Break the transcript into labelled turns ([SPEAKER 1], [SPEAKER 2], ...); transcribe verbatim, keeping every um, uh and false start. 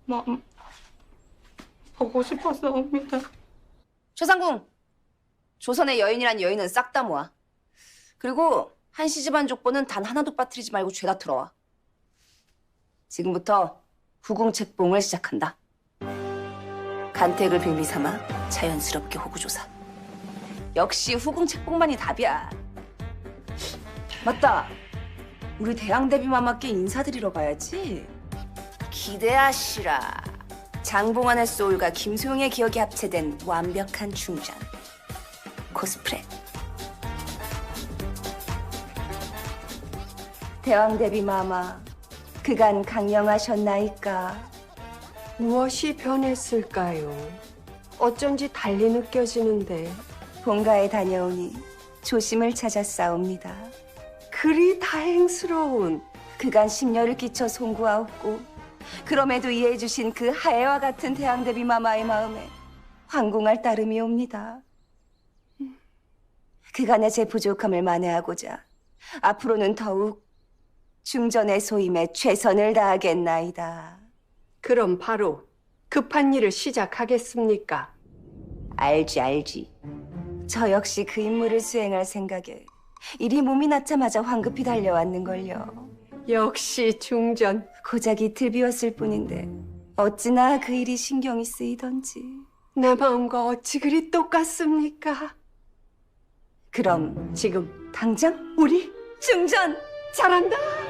[SPEAKER 1] 마음 보고 싶었사옵니다.
[SPEAKER 2] 최상궁, 조선의 여인이란 여인은 싹 다 모아. 그리고 한씨 집안 족보는 단 하나도 빠뜨리지 말고 죄다 틀어와. 지금부터 후궁 책봉을 시작한다. 간택을 빌미 삼아 자연스럽게 호구조사. 역시 후궁 책봉만이 답이야. 맞다. 우리 대왕대비마마께 인사드리러 가야지. 기대하시라. 장봉환의 소울과 김소영의 기억이 합체된 완벽한 충전. 코스프레. 대왕대비마마, 그간 강령하셨나이까?
[SPEAKER 3] 무엇이 변했을까요? 어쩐지 달리 느껴지는데.
[SPEAKER 2] 본가에 다녀오니 조심을 찾았사옵니다.
[SPEAKER 3] 그리 다행스러운.
[SPEAKER 2] 그간 심려를 끼쳐 송구하옵고 그럼에도 이해해 주신 그 하애와 같은 대왕대비마마의 마음에 황궁할 따름이옵니다. 그간의 제 부족함을 만회하고자 앞으로는 더욱 중전의 소임에 최선을 다하겠나이다.
[SPEAKER 3] 그럼 바로 급한 일을 시작하겠습니까?
[SPEAKER 2] 알지 알지. 저 역시 그 임무를 수행할 생각에 이리 몸이 낫자마자 황급히 달려왔는걸요.
[SPEAKER 3] 역시 중전.
[SPEAKER 2] 고작 이틀 비웠을 뿐인데 어찌나 그 일이 신경이 쓰이던지.
[SPEAKER 3] 내 마음과 어찌 그리 똑같습니까?
[SPEAKER 2] 그럼
[SPEAKER 3] 지금
[SPEAKER 2] 당장
[SPEAKER 3] 우리
[SPEAKER 2] 중전!
[SPEAKER 3] 잘한다.